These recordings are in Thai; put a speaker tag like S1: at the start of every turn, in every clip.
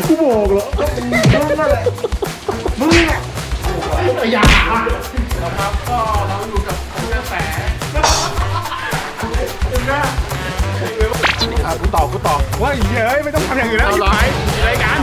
S1: กูบอกเหรอมึงนั่นแหละมึงอ่ะอย่านะครับก็เราอยู่กับคุณกระแสกูต่อว่าเย้ยไม่ต้องทำอย่างอื่นแล้วเอาไรอะไรกัน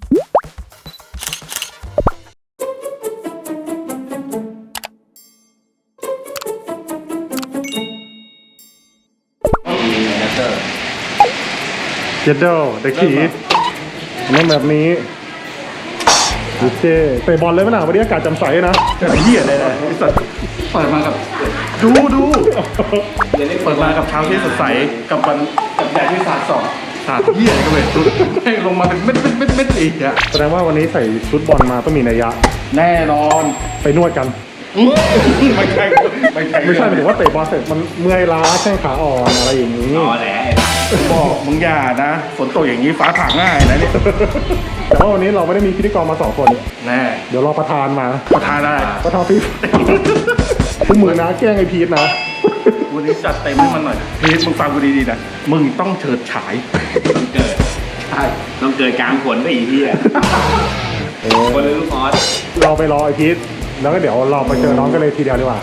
S1: เจดเดลเด็กผีเล่นแบบนี้ดูเจ้เตะบอลเลยไหมน่ะวันนี้อากาศจำใสนะแต่เหี้ยเลยไอ้สัตว์เปิดมากับดูเปิดมากับเช้าที่สดใสกับวันกับแดดที่สาดส่องสาดเหี้ยก็เลยให้ลงมาเป็นเม็ดอีกอะแสดงว่าวันนี้ใส่ชุดบอลมาต้องมีนัยยะแน่นอนไปนวดกันไม่ใช่หมายถึงว่าเตะบอลเสร็จมันเมื่อยล้าแข้งขาอ่อนอะไรอย่างนี้อ๋อแหละบอกมึงอย่านะฝนตกอย่างนี้ฟ้าผ่าง่ายนะเนี่ยแต่ว่าวันนี้เราไม่ได้มีพิธีกรมา2 คนแน่เดี๋ยวรอประธานมาประธานได้ประธานพี่คุณมือนะแกล้งไอพีทนะวันนี้จัดเต็มให้มันหน่อยพีทมึงฟังกูดีๆนะมึงต้องเฉิดฉายต้องเกิดใช่
S2: ต้องเกิดกลางฝนไปอีกทีอ่ะคนเลยลูกออส
S1: เราไปรอไอพีทแล้วก็เดี๋ยวเราไปเจอน้องกันเลยทีเดียวดีกว่า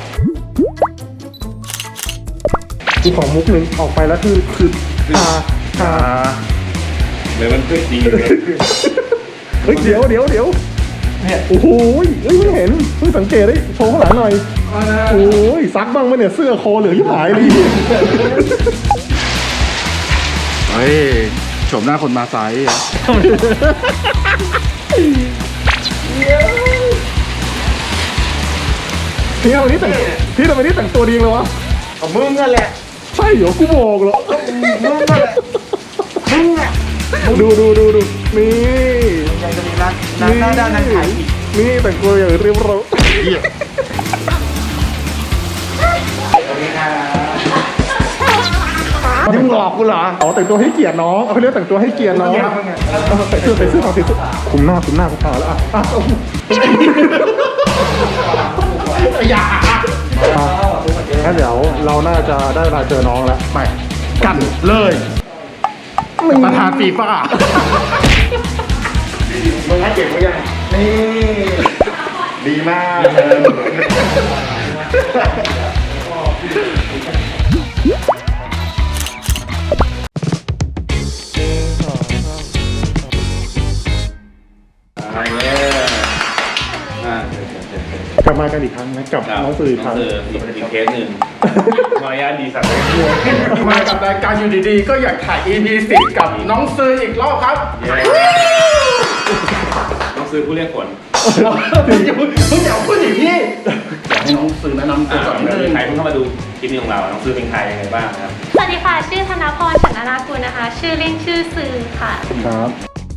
S1: คือของมุกหนึ่งออกไปแล้วคือ
S2: เลยมันขึ้นดีเลย
S1: เฮ้ยเดี๋ยวเนี่ยโอ้โหเฮ้ยไม่เห็นเพิ่งสังเกตได้โชว์ข้างหลังหน่อยโอ้ยซักบ้างไหมเนี่ยเสื้อคอเหลืองยิ่งหายเลยเฮ้ยโฉมหน้าคนมาไซส์พี่ทำไมนี่แต่งตัวดีเลยวะ
S3: มึงนั่นแหละ
S1: ใช่เหรอกูบอกเหรอ
S3: มึงนั่นแหละมึงอ่ะ
S1: ดูนี่
S3: ยังจะมีร้านหน้าด้านนั้นขายอีก
S1: นี่แต่งตัวอย่างเรียบร้อยมึงหลอกกูเหรออ๋อแต่งตัวให้เกียรติน้องเขาเรียกแต่งตัวให้เกียรติน้องใส่เสื้อของติดคุมหน้ากูพาแล้วอย่างั้นเดี๋ยวเราน่าจะได้เวลาเจอน้องแล้วไปกันเลยประธานฟีฟ่ามึงให้เก่งมั้ยยังนี่ดีมากกลับมากันอีกครั้งนะกับน้องสื่ออีกครั้ง
S2: อีกเคสหนึ่งมารยาทดีสัตว์เลย
S1: มากับรายการอยู่ดีๆก็อยากถ่าย EP 10กับน้องซื้ออีกรอบครับ
S2: น้องซื้อผู้เรียกฝน
S1: อย่าพูดอย่างนี้อยากให้น้องซื้อแนะนำตัวก่อน
S2: ใครเพิ่งเข้ามาดูคลิปนี้ของเราน้องซื้อเป็นใครยังไงบ้างครับ
S4: สวัสดีค่ะชื่อธนพร ฉันนากุลนะคะชื่อเล่นชื่อซื้อค่ะ
S1: ครับ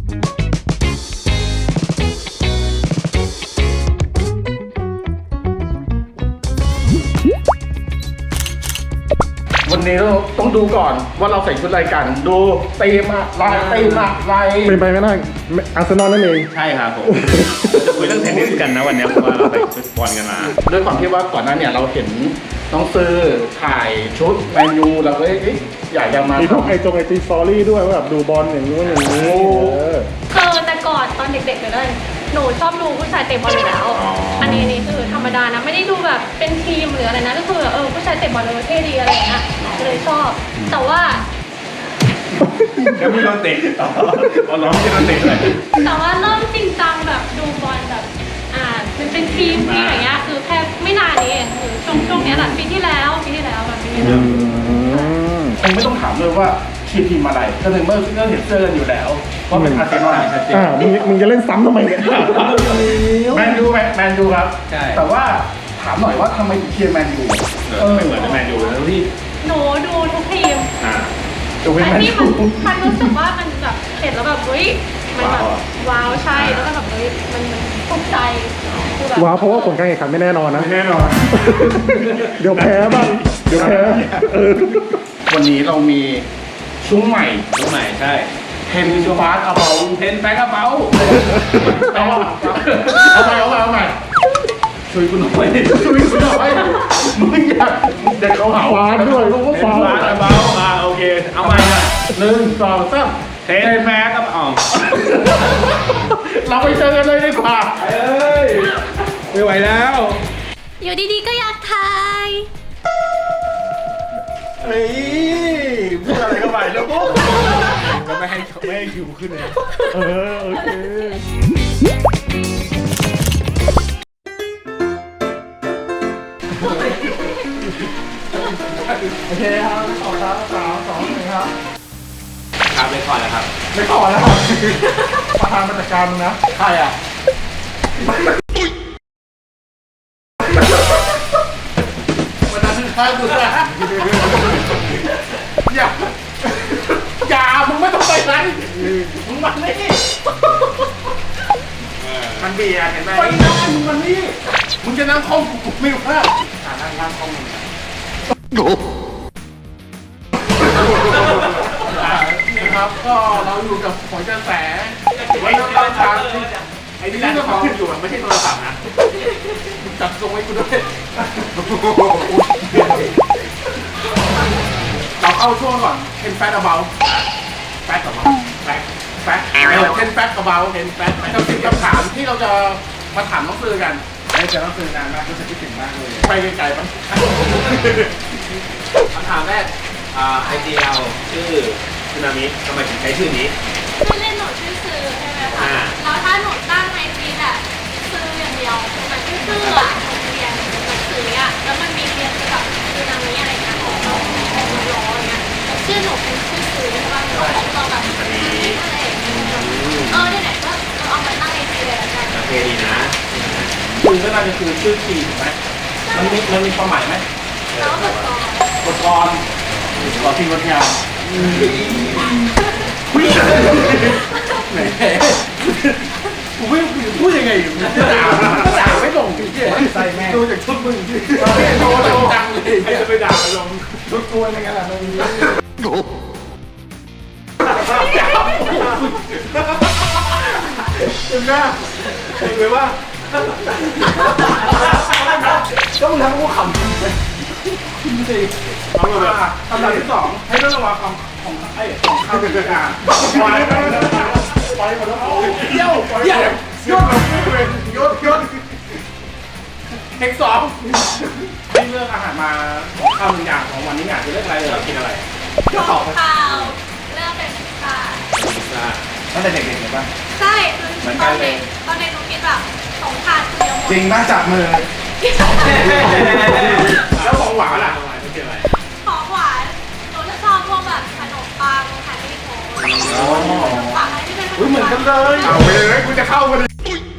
S1: วันนี้เราต้องดูก่อนว่าเราใส่ชุดอะไรกันดูตีมลายเป็นไปไม่ได้อาร์เซนอลนั่นเอง
S2: ใช่ครับผมจะคุยเรื่องเทนนิสกันนะวันนี้เพราะว่าเราใส่ชุดบอลกันมา
S1: ด้วยความที่ว่าก่อนหน้าเนี่ยเราเห็นน้องซื้อถ่ายชุดแมนยูเราก็อยากจะมามีพวกไอจีสตอรี่ด้วยว่าแบบดูบอลอย่างนี้
S4: แต่ก่อนตอนเด็กๆเลยหนูชอบดูผู้ชายเตะบอลอยู่แล้วอันนี้คือธรรมดานะไม่ได้ดูแบบเป็นทีมหรืออะไรนะก็คือผู้ชายเตะบอลเลยเท่ดีอะไรอย่างเงี้ยเลยชอบแต่ว่า
S2: แล้วไม่โดนเตะอ๋อน้องไม่โดนเตะเลย
S4: แต่ว่าเริ่มจริงจังแบบดูบอลแบบมันเป็นทีมอย่างเงี้ยคือแค่ไม่นานนี้เองคือช่วงนี้แหละปีที่แล้วแบบนี้
S1: คงไม่ต้องถามเลยว่าทีมอะไรก็ถึงเมื่อก็เห็นเสื้อกันอยู่แล้วว่าเป็นอาร์เซนอลชัดเจนมึงจะเล่นซ้ำทำไมเนี่ยแมนยูครับแต่ว่าถามหน่อยว่าทำไมถึงเชียร์แมนยู
S2: ไม่เหมือนแมนยูแล้วที่
S4: หนูดูทุกทีมอันนี้มันรู้สึกว่ามันแบบเห็นแล้วแบบเฮ้ยมันแบบว้าวใช่แล้วก็แบบเฮ้ยมันภูมิใจ
S1: ว้าวเพราะว่าผลการแข่งขันไม่แน่นอนนะแน่นอนเดี๋ยวแพ้บ้างวันนี้เรามีซุ้มใหม่
S2: ใช่
S1: เทนฟาสกระเป๋าเอาใหม่ช่วยกูหน่อยมึงอยากเด็กเขาหาฟาสด้วยรู้ว่าฟาส
S2: กระเป๋าโอเคเอาใหม่1 2 3 เทนแม็กกับอ๋อง
S1: เราไปเจอกันเลยดีกว่า
S2: ไม่ไหวแล้ว
S4: อยู่ดีๆก็อยากถ่าย
S3: เฮ้ยพูดอะไรก็ไปแล้วปุ๊บ
S2: ก็ไม่ให้คิวขึ้นเลย
S1: โอเค โอเคครับขอบครับ3 2 1ครับ
S2: ครับเลยก่อนแล้วครับ
S1: ไม่ขอแล้วครับประธานมาจัดการมึงนะ
S3: ใครอ่ะ
S1: วันนั้นข้ากูนะอย่าอย่ามึงไม่ต้องไปไหนมึงมานี่
S3: มันเบียร์เห็นไหม
S1: ไปนั่งมึงมานี่มึงจะนั่งห้องกูไม่รู้ว่า
S3: นั่งข้องมึง
S1: นี่ครับก็เราอยู่กับหอยกระแสไว้ต้นทางไอ้นี่เจ้าของอยู่ไม่ใช่โทรศัพท์นะจับทรงไว้กูด้วยเราเข้าช่วงก่อนเทนแฟตเบาแฟตกับเบาแฟตเทนแฟตกับเบาเทนแฟตกับสิ่งคำถามที่เราจะมาถามน้องซื้อกัน
S3: ไม่เจอต้องซื้อนานมากรู้สึกคิดถึงมากเลย
S1: ไปไกลๆมั้ง
S2: คำถามแรกไอเดียชื่อสึนามิทำไมถึงใช้ชื่อนี้
S4: ชื่อเล่นหนูชื่อซื้อใช่ไหมคะ แล้วถ้าหนูตั้งในฟีดอะซื้ออย่างเดียวมันชื่อซื้ออะเรียนหนังสืออะแล้วมันมีเรียนกับคือนามิอะไรเงี้ยของเราของเราอย่างเงี้ยชื่อหนูเป็นชื่อซื้อใช่ป่ะเราแบบอะไรอย่างเงี้ยไหนๆก็เอามาตั้งในฟีดเลยละกัน
S2: โอเคดีนะ
S3: คือก็น่าจะคือชื่อทีถูกไหมมันมีความหมายไหม
S4: แล้วก็ต่อบ
S3: ทกรขอทีบทงานไหนกูไม่พูดยังไงอยู่ด่าไม่ลงจริงๆใส่แม่ดูจากชุดมึงที่โดนจังเลยใครจะไปด่าลงชุดกูอะไรกันล่ะมันเห็นไหมเห็นไหมว่าก็มึงทำกูขำจริงเอาเลยคำถามที่สองให้เรื่องระวังของของข้าวเป็นการไปหมดแล้วเยี่ยวเยี่ยวยศยศเทคสองให้เลือกอาหารมาของข้าวหนึ่งอย่างของวันนี้อยากจะเลือกอะไรเรากินอะไร
S4: ของข้าวเลือกเป็นพิซซ่า
S2: พิซซ่า
S3: ตั้งแต่เด็กๆเลยป่ะ
S4: ใช่คือตอนเด็กหนูคิดแบบ2 ถาดคือเดียวหมด
S3: จริงป่ะจับมือ
S1: แล้วของหวานล่ะ
S2: ไม่ใช่อะไร
S4: ของหวานหนูจะชอบพวกแบบขนมปังขนมโค้กขนมปังอะไรที่เป็นขน
S3: อุ้ย
S4: ม
S3: เหมือน
S4: ปั
S3: กั
S4: ง
S3: นเลย
S1: เอาไปเลยกูจะเข้ามาดิ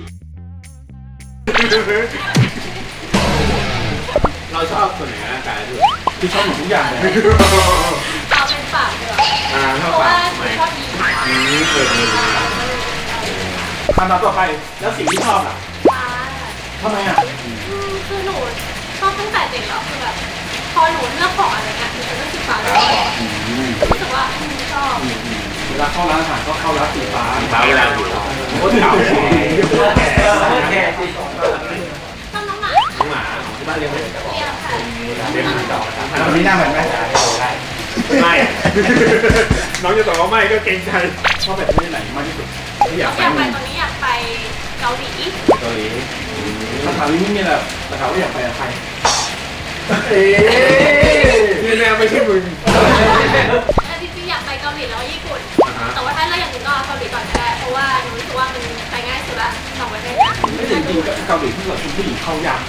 S2: เราชอบส่วนไหนในร่างกายด้วย
S3: คือชอบหมดทุกอย่างเลย
S4: เอาเป็นปากดีกว่า
S2: ช
S4: เพ
S2: อบ
S4: ราะ
S2: ปา
S4: ว่าก หนูชอบกิน
S2: เคย
S3: คำถามต่อไปแล้วสิ่งที่ชอบล่ะ
S4: ปลา
S3: ทำไมอ่ะ
S4: คือหนูชอบตั้งแต่เด็กแล้วคือแบบพอหนูเลือกของอะไรเงี้ยหนูจะเลือกสีฟ้าเลยรู้สึกว่าชอบ
S3: เวลาเข้าร้านอาหารก็เข้าร้านสีฟ้า
S2: ฟ้าเวลาอยู่
S3: โคตรเก่าแก่
S4: ชอบน้องหมา
S2: น้องหมาของที่บ้านเลี้ยงไหม
S4: เรียกค่ะ
S2: เลี้ยงหมาต่อ
S3: ตอนนี้หน้าเหมือนไหม
S2: ไม่ น้องจะตอบว่าไม่ก็เกรงใจ
S3: ชอบแบบที่ไหนมากที่สุดที่อยาก
S4: อ
S3: ไป
S4: ยากไปตอนนี้อยากไปเกาหลี
S2: เกาหลี
S3: คำถามนี้ไม่มีอะไรแต่ถามว่าอยากไปกับใครเอ๊
S2: นี่แน่ไม่ใช่มึง
S4: แต่จริงๆอยากไปเกาหลีแล้วก็ญี่ปุ่น แต่ว่าถ้าเราอยากถึงก็เอาเกาหลีก่อนก็ได้ เพราะว่าหนูรู้สึกว่ามันไปง่ายสุดละ2 ประเทศนะ
S3: ไม่จริงๆเกาหลีที่เราเป็นผู้หญิงเข้ายาก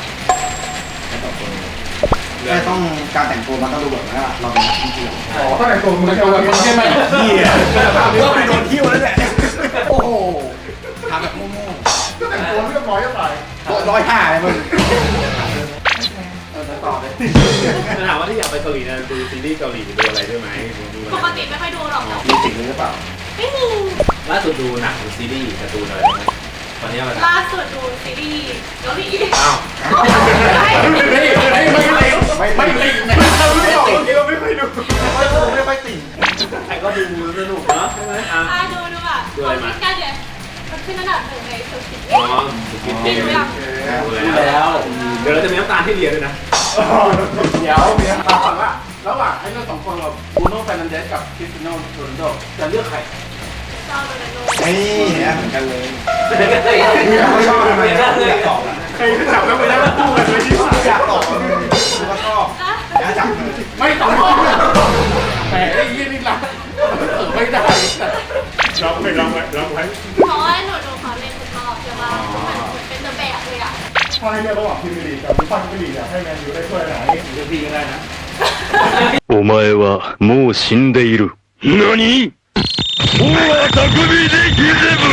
S2: แค่
S3: ต้องการแต่งตัวมันต้องดูแบบว่าเราเป็นนักท่องเที่ยว
S1: อ๋อตั้งแต่ตัวมึงจะวันใช่ไหม
S3: เหี้ยก็ไปโดนเที่ยวแล้วแหละโอ้โหทำแบบโง่
S1: ก็แต่งตัวเรียบร้อยจะตาย
S3: ๆ105เลยมึงต่อเลย
S2: ถามว่าที่อยากไปเกาหลีนะดูซีรีส์เกาหลีดูอะไรด้วยไหมดูอะไร
S4: ปกติไม่ค่อยดูหรอกแต่
S3: มีสิ่งนี้หรือเปล่า
S4: ไม่มี
S2: ล่าสุดดูหนังดูซีรีส์การ์ตูนอะไรไหมตอนนี้อะไร
S4: ล่าสุดดูซีรีส์เกาหลี
S2: อ้าว
S3: ไม่ติ่ง
S1: ไม่เราไม่เคยดู
S3: ไม่ค่อยติ่ง
S2: ใครก็ดูสนุกเนาะใช่ไหมอ่ะ
S4: ดูอ่ะคนที่กันเนี่ยมันขึ้นอันดับ1ในสุดสิบ
S2: อ๋อสกิป
S4: ไม่รู้ยัง
S2: ดูแล้ว เดี๋ยวเราจะมีน้ำตาลที่เรียนด้วยนะ
S3: เดี๋ยวถามว่าระหว่างให้เลือก2 คนเราบูโน่ เฟร์นันเดสกับคริสติโน่ โรนัลโดจะเลือกใคร
S4: อบโดนัทโน
S2: นี่เหมือนกันเลย
S3: ไม่ชอบทำไม
S2: อยากตอบ
S3: ใครจับแล้วไม่ได้คู่กันเลยที่ว่า
S2: อยากตอบคือว่าชอบอยากจับ
S3: ไม่ตอบแต่ไอ้ยี่นี่รักไม่ได้
S1: รับไว้รับไว้รับไว้
S4: เพราะว่าหนูเขาเล่นทุกรอบใช่ป่ะเหมือนเป็นตัวแบบเลยอ่ะ
S1: ถ้าให้เลือกระหว่างพรีเมียร์ลีกกับฟุตบอลพรีเมียร์ลีกอยากให้แมนยูได้ถ้วยไหน
S3: เดี๋ยวพี่ก็ได้นะ
S5: お前はもう死んでいる。何？大匠でギゼブ。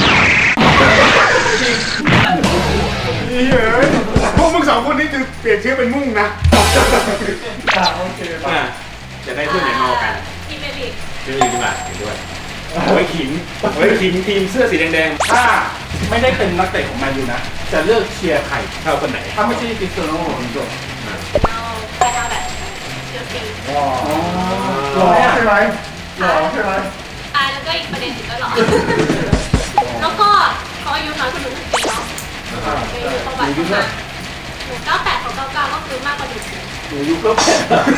S3: นี่เฮ้ยพวกมึงสองคนนี้จะเปลี่ยนชื่อเป็นมุ่งนะ
S1: โอเคป่ะ
S2: จะได้ช่วยไหนมากัน
S4: พรีเมียร์ลีก
S2: ช่วยดีกว่าเห็นด้วยไว้ขิงไว้ขิงทีมเสื้อสีแดง
S3: ถ้าไม่ได้เป็นนักเตะของแมนยูนะ จะเลือกเชียร์ใคร
S2: ๆเข้าคนไหน
S3: ถ้าไม่ใช่คริสเตียโนโรนัลโด
S4: เอาไปทางแบบเชลซี
S1: หล่อใช่ไหมหล่อใช่ไหม
S4: แล้วก็อีกประเด็นหนึงก็หรอแล้วก็เขาอายุน้อยกว่าหนู1 ปีเนาะเป็นประวัติของมันหนู98เขา99ก็คือมากกว่าหนู
S3: หนูยุคก็แพ้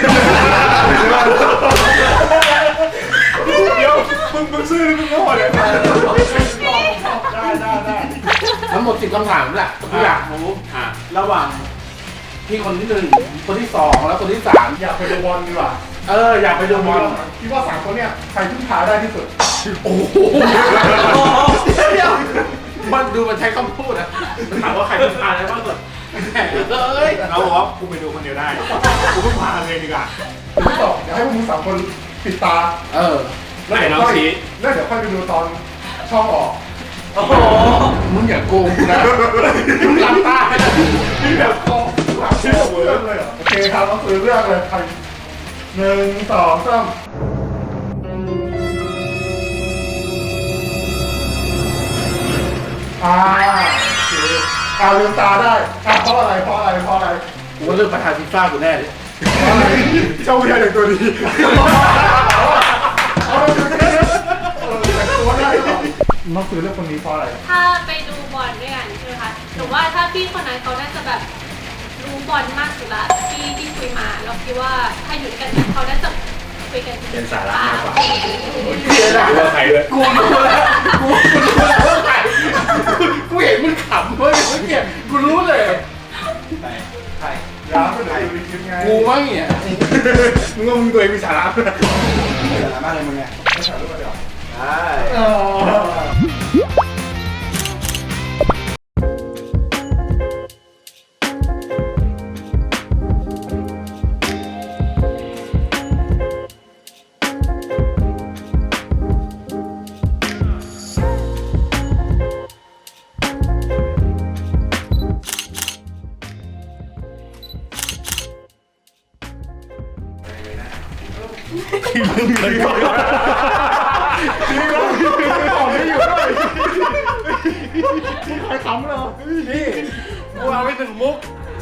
S1: เดี๋ยวมึงซื้อหรือมึงโง่เนี่ยได้ได้
S3: ทั้งหมด10 คำถามแหละผมอยากรู้ระหว่างพี่คนที่ 1 คนที่ 2 แล้วคนที่ 3
S1: อยากไปดูบอลดีกว่า
S3: อยากไปดูบอล
S1: คิดว่า3คนเนี่ยใครพึ่งพาได้ที่สุด
S3: โอ้โหเดี๋ยวมันดูมันใช้คำพูดนะถามว่าใครเป็นพาได้บ้างสุดเฮ้ย
S2: เราบอกว่ากูไปดูคนเดียวได้กูไม่พาเลยดีกว่า
S1: ผมบอกอยากให้พวกมึง3คนปิดตา
S2: ไหนน้องชี้
S1: แล้วเดี๋ยวค่อยไปดูตอนช่องออก
S3: โอ้โหมึงอย่าโกงกูนะมึงหลับตาให้นะ
S1: ที่แบบคอหลับที่เรื่องเลยเหรอโอเคครับก็คือเรื่องเลยใคร1 2 3โอเคลืมตาได้เพราะอะไรเพราะอะไรเพราะอะไร
S3: กูว่าเลือกประธานฟีฟ่ากูแน่เลย
S1: เจ้าเวียอย่างตัวดีแต่งตัวได้หรอน้องซื้อเรื่องคนนี้เพราะอะไร
S4: ถ้าไปดูบอลด้วยกันใช่ไหมคะหนูว่าถ้าพี่คนนั้นเขาน่าจะแบบรู้บอลมากสุดละที่คุยมาเราคิดว่าถ้าอยู่ด้วยกันเนี่ยเขาน่าจะคุยกัน
S2: เป็นสาระมากกว่า
S3: เสียดาย
S2: ว่าใครเลย
S3: กูรู้แล้วกูรู้แล้วว่าใครกูเห็นมึงขำเมื่อกี้กูรู้เลย
S1: ยาก็เดี๋ยวดูคลิปไง
S3: กูมั้งเนี่ย
S2: มึงว่ามึงตัวเองมีสาระ
S3: มากเลยมึงไง
S1: ไม่ถ่ายรูปมาเดี๋ยว
S2: ใช่
S1: ใครขำเหรอ
S3: นี่กูเอาไป1 มุก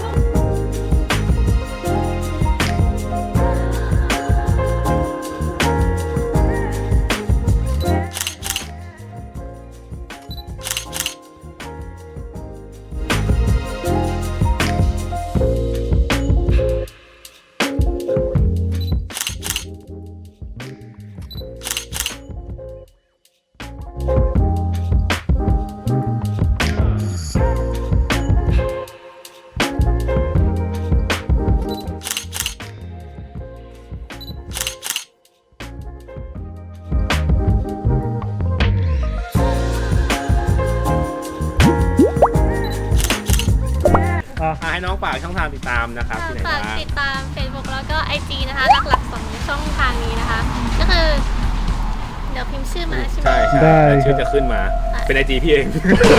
S2: ให้น้องฝากช่องทางติดตามนะครับที่ไหน
S4: ฝาก
S2: บ้าง
S4: ติดตาม Facebook แล้วก็ IG นะคะ หลักๆ2 ช่องทางนี้นะคะ ก็คือ เดี๋ยวพิมพ์ชื่อมาใช่ไหม
S2: ใช่ใช่
S1: ได้
S2: ชื่อจะขึ้นมาเป็นไอจีพี่เอง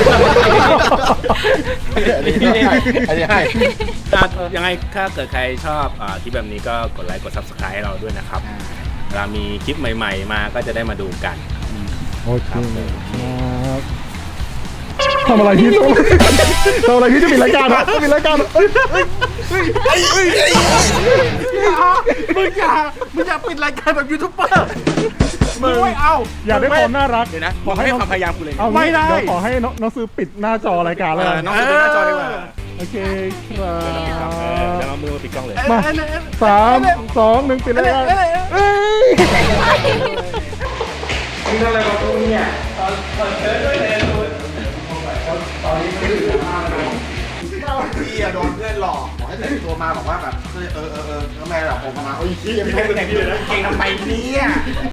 S3: อันนี้ให้
S2: ยังไงถ้าเกิดใครชอบคลิปแบบนี้ก็กดไลค์กด Subscribe ให้เราด้วยนะครับเวลามีคลิปใหม่ๆมาก็จะได้มาดูกัน
S1: โอเคทำอะไรพี่ทำอะไรพี่จะมีรายการเหรอจะมีรายการเหรอ
S3: มึงอย่าปิดรายการแบบยูทูบเบอร์มึงไม่เอา
S1: อยากได้ความน่ารัก
S2: เดี๋ยวนะมึงให้ความพยายามกูเลย
S1: เอา
S3: ไม่ได้
S1: เดี๋ยวขอให้น้องซื้อปิดหน้าจอรายการแล้วกัน
S2: น้องดูหน้าจอดีกว่า
S1: โอเคครับ
S2: เดี๋ยวเอามือมาปิดกล้องเลย
S1: มา3 2 1ปิดรายการเอ้ย
S3: มึงทำอะไรกับกูเนี่ยตอนเชิญด้วยเลยตอนนี้ไม่ถึงมากเลยพี่อะโดนเพื่อนหลอกบอกให้แต่งตัวมาบอกว่าแบบแล้วแม่แบบผมมาโอ้ยพี่ไม่แต่งตัวเก่งทำไมเนี่ย